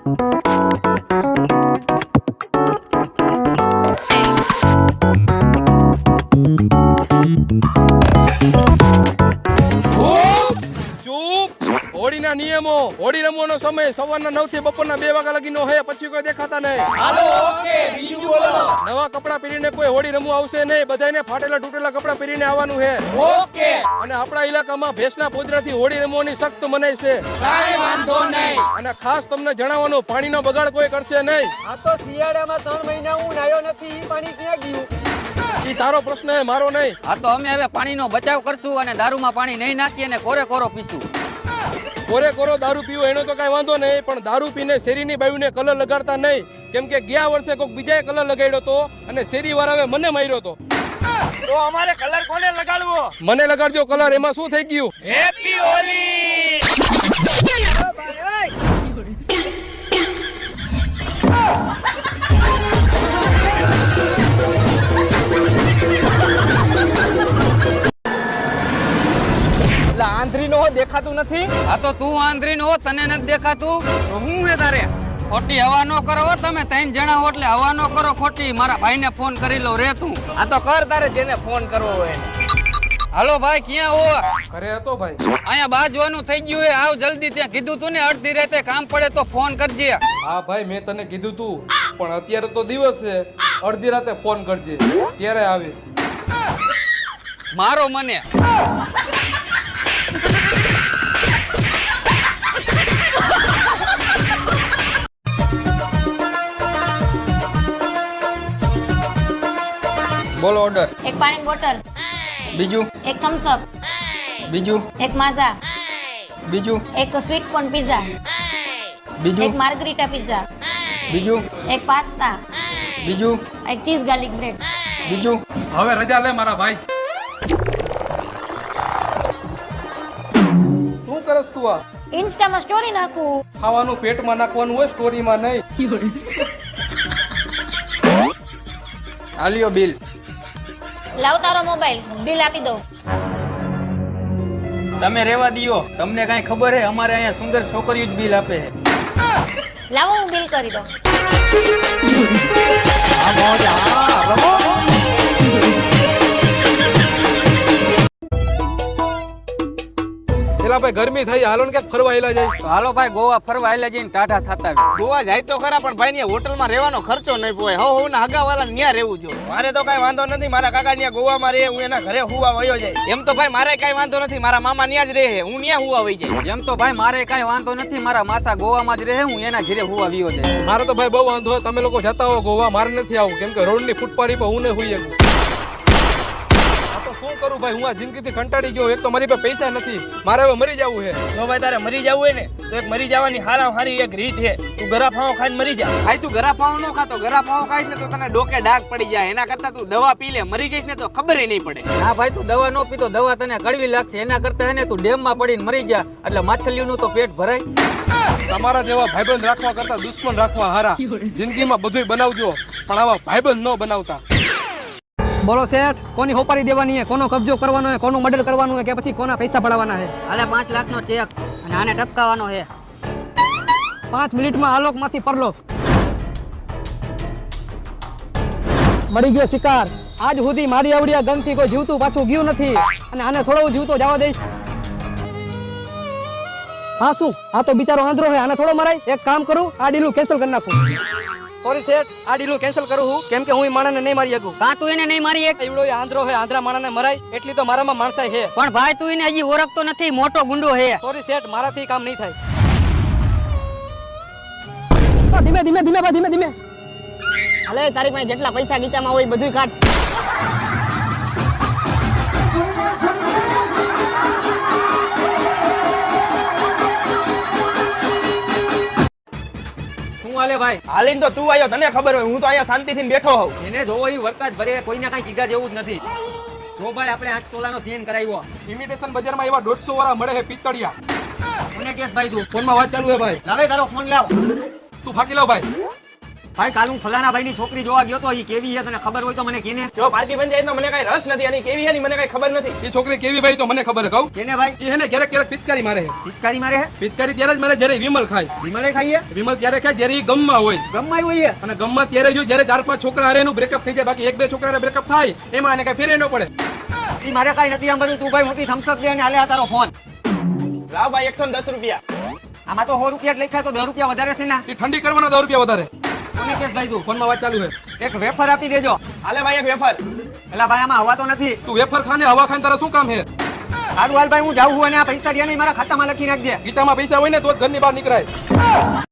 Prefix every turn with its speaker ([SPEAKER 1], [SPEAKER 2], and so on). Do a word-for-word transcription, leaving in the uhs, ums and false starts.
[SPEAKER 1] હોળીના નિયમો હોળી રમવાનો સમય સવારના નવ થી બપોરના બે વાગ્યા લગીનો હે, પછી કોઈ દેખાતા નહીં.
[SPEAKER 2] હાલો ઓકે બીજું બોલો.
[SPEAKER 1] નવા કપડા પહેરીને કોઈ હોળી રમવા આવશે નહીં, બધાને ફાટેલા તૂટેલા કપડા પહેરીને આવવાનું હે.
[SPEAKER 2] ઓકે.
[SPEAKER 1] અને આપણા ઇલાકામાં ભેંસના પોદરાથી હોળી રમવાની સખ્ત મનાઈ છે.
[SPEAKER 2] કાઈ વાંધો નહીં.
[SPEAKER 1] અને ખાસ તમને જણાવવાનું, પાણીનો બગાડ કોઈ કરશે નહીં.
[SPEAKER 3] આ તો શિયાળામાં ત્રણ મહિના હું નાયો નથી, ઈ પાણી ક્યાં ગયું?
[SPEAKER 1] ઈ તારો પ્રશ્ન હે, મારો નહીં.
[SPEAKER 4] હા તો અમે હવે પાણીનો બચાવ કરશું અને દારૂમાં પાણી નહીં નાખીએ અને કોરે કોરો પીશું.
[SPEAKER 1] કોરે કોરો દારૂ પીવો એનો તો કઈ વાંધો નહીં, પણ દારૂ પીને શેરીની બાયુને કલર લગાડતા નહીં. કેમ કે ગયા વર્ષે કોઈક બીજાએ કલર લગાડ્યો હતો અને શેરી વાળાએ મને માર્યો હતો.
[SPEAKER 2] તો અમારે કલર કોને લગાડવો?
[SPEAKER 1] મને લગાડજો કલર. એમાં શું થઈ ગયું?
[SPEAKER 2] હેપી હોલી.
[SPEAKER 3] આંધળી નો દેખાતું નથી.
[SPEAKER 4] આ તો તું આંધળી નો તને નથી દેખાતું તો હું હે તારે? ખોટી હવા નો કરો તમે ત્રણ જણા હો એટલે હવા નો કરો ખોટી. મારા ભાઈને ફોન કરી લો રે તું.
[SPEAKER 3] આ તો કર તારે જેને ફોન કરવો હોય.
[SPEAKER 4] હાલો ભાઈ ક્યાં હો?
[SPEAKER 1] ઘરે હતો ભાઈ.
[SPEAKER 4] અહીંયા બાજવાનું થઈ ગયું હે, આવ જલ્દી. ત્યાં કીધું તું ને અડધી રાતે કામ પડે તો ફોન કરજે.
[SPEAKER 1] હા ભાઈ મેં તને કીધું તું, પણ અત્યારે તો દિવસ છે, અડધી રાતે ફોન કરજે, ત્યારે આવીશ.
[SPEAKER 4] મારો મને
[SPEAKER 5] બોલો ઓર્ડર.
[SPEAKER 6] એક પાણી બોટલ,
[SPEAKER 5] બીજું
[SPEAKER 6] એક થમ્સ અપ,
[SPEAKER 5] બીજું
[SPEAKER 6] એક માઝા,
[SPEAKER 5] બીજું
[SPEAKER 6] એક સ્વીટ કોર્ન પિઝા, એક
[SPEAKER 5] બીજું
[SPEAKER 6] માર્ગરીટા પિઝા,
[SPEAKER 5] બીજું
[SPEAKER 6] એક પાસ્તા,
[SPEAKER 5] બીજું
[SPEAKER 6] એક ચીઝ ગાર્લિક બ્રેડ.
[SPEAKER 5] બીજું.
[SPEAKER 1] હવે રજા લે મારા ભાઈ. શું કરસ તું? આ
[SPEAKER 6] ઇન્સ્ટામાં સ્ટોરી નાખું.
[SPEAKER 1] ખાવાનું પેટમાં નાખવાનું હોય, સ્ટોરીમાં નહીં.
[SPEAKER 5] આલિયો બિલ.
[SPEAKER 6] લાવ તારો મોબાઈલ, બિલ આપી દો.
[SPEAKER 4] તમે રેવા દિયો. તમને કઈ ખબર હે? અમારે અહીંયા સુંદર છોકરીઓ જ બિલ આપે છે.
[SPEAKER 6] લાવો હું બિલ કરી દઉં.
[SPEAKER 1] પેલા ભાઈ ગરમી થઈ, હાલો ને ક્યાંક ફરવા આયેલા જાય.
[SPEAKER 4] તો હાલો ભાઈ ગોવા ફરવા આયલા જઈને ટાઢા થતા આવે.
[SPEAKER 2] ગોવા જાય તો ખરા, પણ ભાઈ ની હોટલમાં રહેવાનો ખર્ચો નહીં પોય. હવ હવ ના હગા વાળા ન્યા રહેવું જો. મારે તો કઈ વાંધો નથી, મારા કાકા ન્યા ગોવામાં રહે, હું એના ઘરે હુવા વયો જાય. એમ તો ભાઈ મારે કઈ વાંધો નથી, મારા મામા ન્યા જ રહે, હું ન્યા હુવા વઈ જાય.
[SPEAKER 4] એમ તો ભાઈ મારે કઈ વાંધો નથી, મારા માસા ગોવામાં જ રહે, હું એના ઘરે હુવા વિયો જાય.
[SPEAKER 1] મારે તો ભાઈ બહુ વાંધો હોય, તમે લોકો જતા હો ગોવા, મારે નથી આવું. કેમ કે રોડ ની ફૂટપાડી પર હું નહીં હુઈ શકું. આ તો શું કરું ભાઈ, હું આ જિંદગીથી કંટાળી ગયો. એક તો મારી પાસે પૈસા નથી, મારે હવે મરી જવું છે.
[SPEAKER 3] જો ભાઈ તારે મરી જવું હોય ને તો એક મરી જવાની હારા હારી એક રીત છે. તું ગરા ફાવો ખાઈને મરી જા.
[SPEAKER 2] ભાઈ તું ગરા પાવ નો ખાતો, ગરા પાવ ખાઈશ ને તો તને ડોકે ડાઘ પડી જાય. એના કરતા તું દવા પી લે, મરી જઈશ ને તો ખબર નહીં પડે.
[SPEAKER 4] ના ભાઈ તું દવા નો પીતો, દવા તને કડવી લાગશે. એના કરતા હે ને તું ડેમ માં પડીને મરી જા, એટલે માછલીઓનું તો પેટ ભરાય.
[SPEAKER 1] તમારા જેવા ભાઈબંધ રાખવા કરતા દુશ્મન રાખવા હારા. જિંદગીમાં બધુંય બનાવજો, પણ આવા ભાઈબંધ ન બનાવતા.
[SPEAKER 7] બોલો શેઠ, કોની હોપારી દેવાની છે, કોનો કબજો કરવાનો છે, કોનું મર્ડર કરવાનું છે, કે પછી કોના પૈસા પડાવવાના છે?
[SPEAKER 4] હાલે પાંચ લાખ નો ચેક અને આને ટપકાવાનો છે.
[SPEAKER 7] પાંચ મિનિટમાં આલોક માંથી પરલોક. મળી ગયો શિકાર. આજ સુધી મારી આવડિયા ગનથી કોઈ જીવતું પાછું ગયું નથી, અને આને થોડો જીવતો જવા દઈશ. હા શું, આ તો બિચારો આંધળો છે, આને થોડો મરાય. એક કામ કરું, આ ડીલું કેન્સલ કરી નાખું. સોરી શેઠ, આ ડીલું કેન્સલ કરું હું, કેમ કે હું એ માણસને નહીં મારી શકું.
[SPEAKER 4] કાં તું એને નહીં મારી એક?
[SPEAKER 7] એવડો એ આંધળો છે, આંધળા માણસને મરાય એટલી તો મારામાં માણસાઈ છે.
[SPEAKER 4] પણ ભાઈ તું એને હજી ઓળખતો નથી, મોટો ગુંડો છે.
[SPEAKER 7] સોરી શેઠ, મારાથી કામ નહીં થાય. ધીમે ધીમે ધીમે બા ધીમે ધીમે.
[SPEAKER 6] હાલે તારી પાસે જેટલા પૈસા ગીચામાં હોય બધું કાઢ.
[SPEAKER 4] હાલે ભાઈ
[SPEAKER 3] હાલીને તો તું આવ્યો, તને ખબર હોય, હું તો અહીંયા શાંતિથી બેઠો હોઉં.
[SPEAKER 4] એને જોવો એ વરકાજ ભરે, કોઈને કઈ કીધા જેવું જ નથી. જો ભાઈ આપણે આઠ તોલાનો ચેન કરાવ્યો.
[SPEAKER 1] ઇમિટેશન બજારમાં એવા દોઢસો વાળા મળે છે પિત્તળિયા.
[SPEAKER 4] કોને કેસ ભાઈ તું?
[SPEAKER 1] ફોનમાં વાત ચાલુ છે ભાઈ.
[SPEAKER 4] લાવે તારો ફોન લાવ.
[SPEAKER 1] તું ફાકી લાવ ભાઈ.
[SPEAKER 8] ભાઈ કાલ હું ફલાણા ભાઈની છોકરી જોવા ગયો તો એ કેવી છે તને ખબર હોય તો મને કેને
[SPEAKER 2] જો પાર્ટી બન જાય તો મને કઈ રસ નથી અને કેવી છે ની મને કઈ ખબર નથી.
[SPEAKER 1] એ છોકરી કેવી ભાઈ તો મને ખબર છે કહું.
[SPEAKER 8] કેને ભાઈ
[SPEAKER 1] એ હે ને ક્યારેક ક્યારેક પિચકારી મારે છે.
[SPEAKER 8] પિચકારી મારે હે
[SPEAKER 1] પિચકારી ત્યારે જ મારે જ્યારે વિમલ ખાય.
[SPEAKER 8] વિમલે ખાઈએ
[SPEAKER 1] વિમલ ત્યારે ખાય જ્યારે એ ગમમાં હોય.
[SPEAKER 8] ગમમાં હોય
[SPEAKER 1] અને ગમમાં ત્યારે જો જ્યારે ચાર પાંચ છોકરા હારે એનું બ્રેકઅપ થઈ જાય, બાકી એક બે છોકરા બ્રેકઅપ થાય એમાં એને કઈ ફેરે ન પડે.
[SPEAKER 8] એ મારે કઈ નથી આમ બધું. તું ભાઈ મોટી થમ્સઅપ દે અને હાલે આ તારો ફોન.
[SPEAKER 2] લાવ ભાઈ એકસો દસ રૂપિયા.
[SPEAKER 8] આમાં તો સો રૂપિયા જ લખ્યા તો દસ રૂપિયા વધારે છે ને.
[SPEAKER 1] એ ઠંડી કરવાના દસ રૂપિયા વધારે.
[SPEAKER 8] કોને કેસ ભાઈ તું
[SPEAKER 1] ફોનમાં વાત ચાલુ છે.
[SPEAKER 8] એક વેફર આપી દેજો.
[SPEAKER 2] હાલે ભાઈ એક વેફર.
[SPEAKER 8] એલા ભાઈ આમાં હવા તો નથી.
[SPEAKER 1] તું વેફર ખાને હવા ખાને તારા શું કામ છે?
[SPEAKER 8] સારું હાલ ભાઈ હું જાઉં છું અને આ પૈસા રહ્યા નહીં મારા ખાતામાં લખી નાખજે.
[SPEAKER 1] ગીતામાં પૈસા હોય ને તો જ ઘરની બહાર નીકળાય.